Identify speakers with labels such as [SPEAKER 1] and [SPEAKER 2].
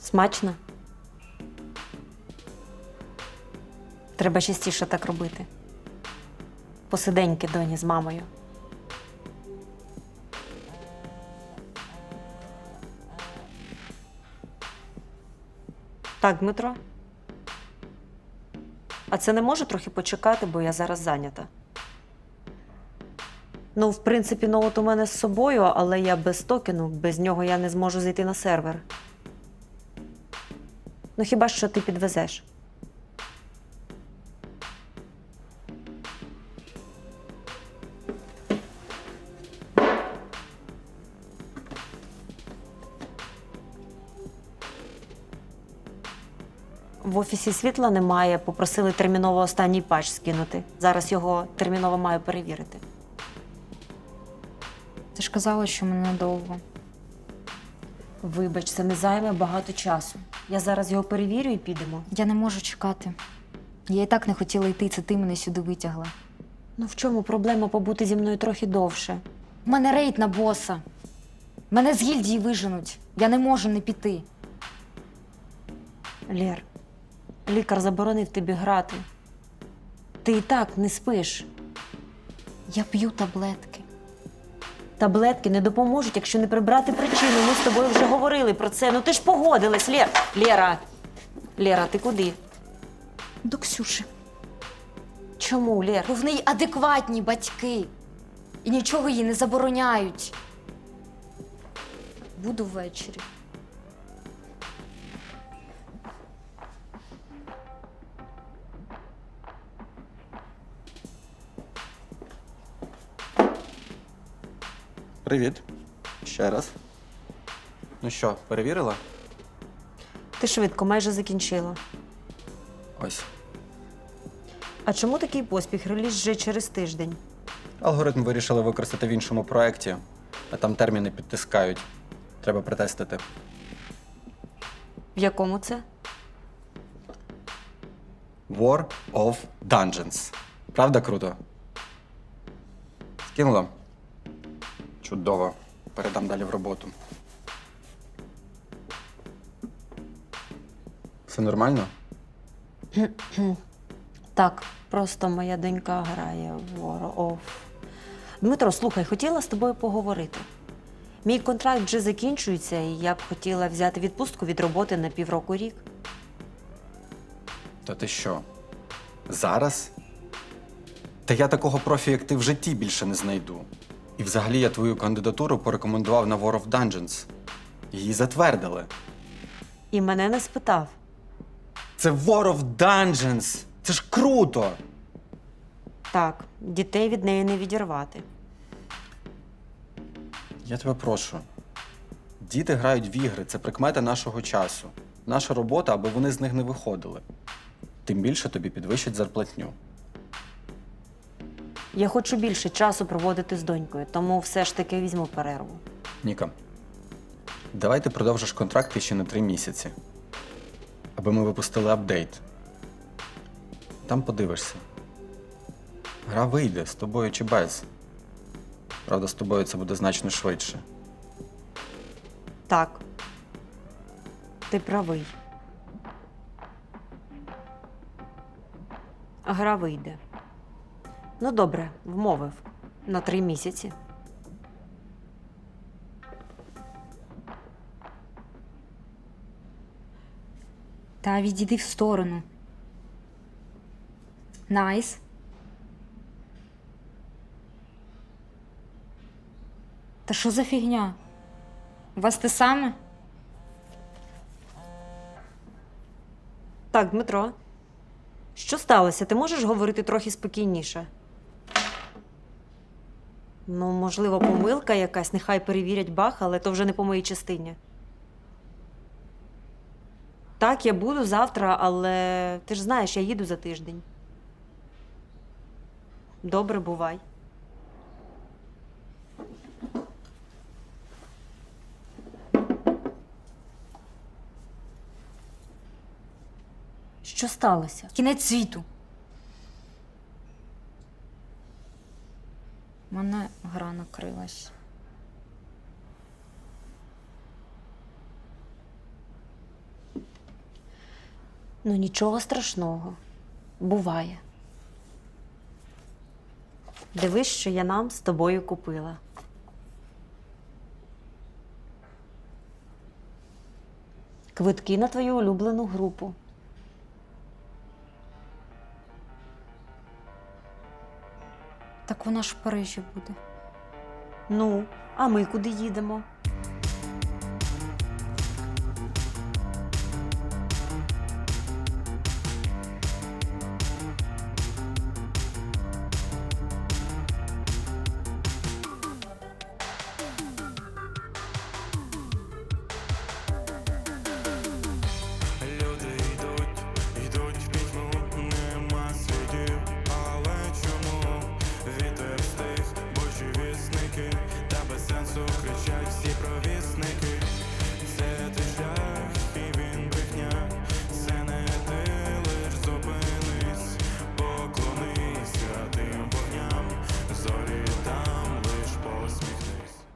[SPEAKER 1] Смачно? Треба частіше так робити. Посиденьки доні з мамою. Так, Дмитро? А це не може трохи почекати, бо я зараз зайнята. Ну, в принципі, ноут у мене з собою, але я без токену, без нього я не зможу зайти на сервер. Ну, хіба що ти підвезеш? В офісі світла немає, попросили терміново останній патч скинути. Зараз його терміново маю перевірити.
[SPEAKER 2] Ти ж казала, що мене надовго.
[SPEAKER 1] Вибач, це не займе багато часу. Я зараз його перевірю і підемо.
[SPEAKER 2] Я не можу чекати. Я і так не хотіла йти, це ти мене сюди витягла.
[SPEAKER 1] Ну в чому проблема побути зі мною трохи довше?
[SPEAKER 2] У мене рейд на боса. Мене з гільдії виженуть. Я не можу не піти.
[SPEAKER 1] Лєр, лікар заборонив тобі грати. Ти і так не спиш.
[SPEAKER 2] Я п'ю таблетки.
[SPEAKER 1] Таблетки не допоможуть, якщо не прибрати причину. Ми з тобою вже говорили про це. Ну ти ж погодилась, Лєра! Лєра, ти куди?
[SPEAKER 2] До Ксюші.
[SPEAKER 1] Чому, Лєр?
[SPEAKER 2] Бо в неї адекватні батьки. І нічого їй не забороняють. Буду ввечері.
[SPEAKER 3] Привіт. Ще раз. Ну що, перевірила?
[SPEAKER 1] Ти швидко, майже закінчила.
[SPEAKER 3] Ось.
[SPEAKER 1] А чому такий поспіх? Реліз вже через тиждень.
[SPEAKER 3] Алгоритм вирішили використати в іншому проєкті, а там терміни підтискають. Треба протестити.
[SPEAKER 1] В якому це?
[SPEAKER 3] War of Dungeons. Правда круто? Скинула? Чудово. Передам далі в роботу. Все нормально?
[SPEAKER 1] Так, просто моя донька грає в War of... Дмитро, слухай, хотіла з тобою поговорити. Мій контракт вже закінчується, і я б хотіла взяти відпустку від роботи на півроку-рік.
[SPEAKER 3] Та ти що? Зараз? Та я такого профі, як ти, в житті більше не знайду. І взагалі я твою кандидатуру порекомендував на War of Dungeons. Її затвердили.
[SPEAKER 1] І мене не спитав.
[SPEAKER 3] Це War of Dungeons! Це ж круто!
[SPEAKER 1] Так, дітей від неї не відірвати.
[SPEAKER 3] Я тебе прошу. Діти грають в ігри, це прикмета нашого часу. Наша робота, аби вони з них не виходили. Тим більше тобі підвищать зарплатню.
[SPEAKER 1] Я хочу більше часу проводити з донькою, тому все ж таки візьму перерву.
[SPEAKER 3] Ніка, давай ти продовжиш контракт ще на 3 місяці. Аби ми випустили апдейт. Там подивишся. Гра вийде з тобою чи без. Правда, з тобою це буде значно швидше.
[SPEAKER 1] Так, ти правий. Гра вийде. Ну добре, вмовив. На 3 місяці.
[SPEAKER 2] Та відійди в сторону. Найс. Та що за фігня? У вас те саме?
[SPEAKER 1] Так, Дмитро. Що сталося? Ти можеш говорити трохи спокійніше? Ну, можливо, помилка якась, нехай перевірять баг, але то вже не по моїй частині. Так, я буду завтра, але ти ж знаєш, я їду за тиждень. Добре, бувай. Що сталося?
[SPEAKER 2] Кінець світу. У мене гра накрилась.
[SPEAKER 1] Ну нічого страшного. Буває. Дивись, що я нам з тобою купила. Квитки на твою улюблену групу.
[SPEAKER 2] Так вона ж в Парижі буде.
[SPEAKER 1] Ну, а ми куди їдемо?